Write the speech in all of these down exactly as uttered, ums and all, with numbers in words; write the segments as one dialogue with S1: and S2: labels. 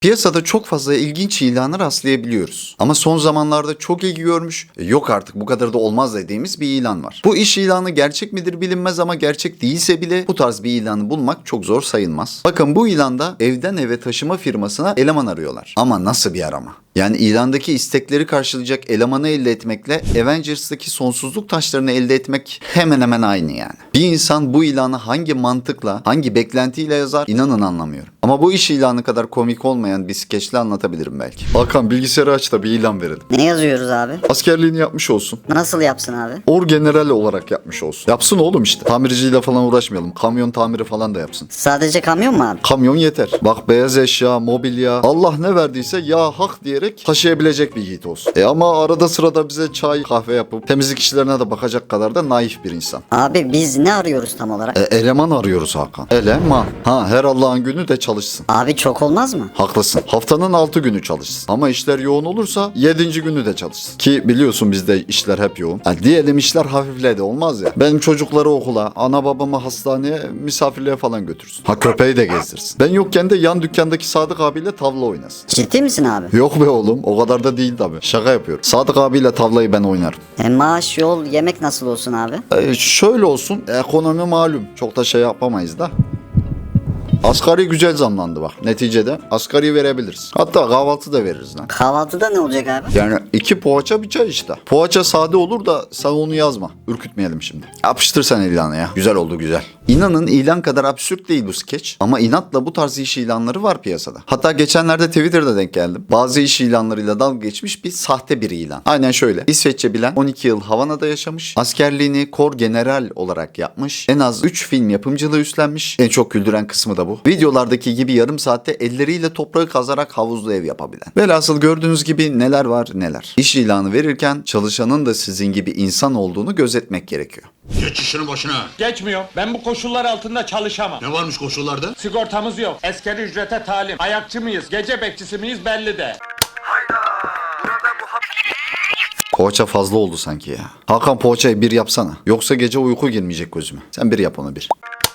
S1: Piyasada çok fazla ilginç ilana rastlayabiliyoruz. Ama son zamanlarda çok ilgi görmüş, e, yok artık bu kadar da olmaz dediğimiz bir ilan var. Bu iş ilanı gerçek midir bilinmez ama gerçek değilse bile bu tarz bir ilanı bulmak çok zor sayılmaz. Bakın bu ilanda evden eve taşıma firmasına eleman arıyorlar. Ama nasıl bir arama? Yani ilandaki istekleri karşılayacak elemanı elde etmekle Avengers'taki sonsuzluk taşlarını elde etmek hemen hemen aynı yani. Bir insan bu ilanı hangi mantıkla, hangi beklentiyle yazar inanın anlamıyorum. Ama bu iş ilanı kadar komik olmayan bir skeçle anlatabilirim belki. Hakan bilgisayarı aç da bir ilan verelim.
S2: Ne yazıyoruz abi?
S1: Askerliğini yapmış olsun.
S2: Nasıl yapsın abi?
S1: Orgeneral olarak yapmış olsun. Yapsın oğlum işte. Tamirciyle falan uğraşmayalım. Kamyon tamiri falan da yapsın.
S2: Sadece kamyon mu abi?
S1: Kamyon yeter. Bak beyaz eşya, mobilya, Allah ne verdiyse ya hak diyerek taşıyabilecek bir yiğit olsun. E ama arada sırada bize çay, kahve yapıp temizlik işlerine de bakacak kadar da naif bir insan.
S2: Abi biz ne arıyoruz tam olarak?
S1: E, eleman arıyoruz Hakan. Eleman. Ha her Allah'ın günü de çalışsın.
S2: Abi çok olmaz mı?
S1: Haklısın. Haftanın altı günü çalışsın. Ama işler yoğun olursa yedinci günü de çalışsın. Ki biliyorsun bizde işler hep yoğun. Yani diyelim işler hafifledi olmaz ya. Benim çocukları okula, ana babamı hastaneye, misafirliğe falan götürsün. Ha köpeği de gezdirsin. Ben yokken de yan dükkandaki Sadık abiyle tavla oynasın.
S2: Ciddi misin abi?
S1: Yok be oğlum o kadar da değil tabii. Şaka yapıyorum. Sadık abiyle tavlayı ben oynarım.
S2: E, maaş, yol, yemek nasıl olsun abi?
S1: E, şöyle olsun ekonomi malum. Çok da şey yapamayız da. Asgari güzel zamlandı bak. Neticede asgari verebiliriz. Hatta kahvaltı da veririz lan.
S2: Kahvaltıda ne olacak abi?
S1: Yani iki poğaça bir çay işte. Poğaça sade olur da sen onu yazma. Ürkütmeyelim şimdi. Yapıştır sen ilanı ya. Güzel oldu güzel. İnanın ilan kadar absürt değil bu skeç. Ama inatla bu tarz iş ilanları var piyasada. Hatta geçenlerde Twitter'da denk geldim. Bazı iş ilanlarıyla dalga geçmiş bir sahte bir ilan. Aynen şöyle. İsveççe bilen on iki yıl Havana'da yaşamış. Askerliğini kor general olarak yapmış. En az üç film yapımcılığı üstlenmiş. En çok güldüren kısmı da bu. Videolardaki gibi yarım saatte elleriyle toprağı kazarak havuzlu ev yapabilen. Velhasıl gördüğünüz gibi neler var neler. İş ilanı verirken çalışanın da sizin gibi insan olduğunu gözetmek gerekiyor.
S3: Geç işinin başına.
S4: Geçmiyor. Ben bu koşullar altında çalışamam.
S3: Ne varmış koşullarda?
S4: Sigortamız yok. Askeri ücrete talim. Ayakçı mıyız, gece bekçisi miyiz belli de.
S1: Poğaça fazla oldu sanki ya. Hakan poğaçayı bir yapsana. Yoksa gece uyku girmeyecek gözüme. Sen bir yap onu bir.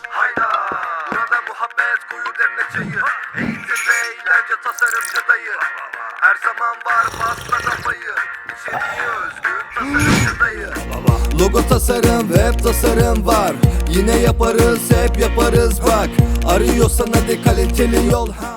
S5: Eğitim ve eğlence tasarımcı dayı. Her zaman var pasta kafayı. İçeriği özgün tasarımcı dayı. Logo tasarım, web tasarım var. Yine yaparız, hep yaparız bak. Arıyorsan hadi kaliteli yol.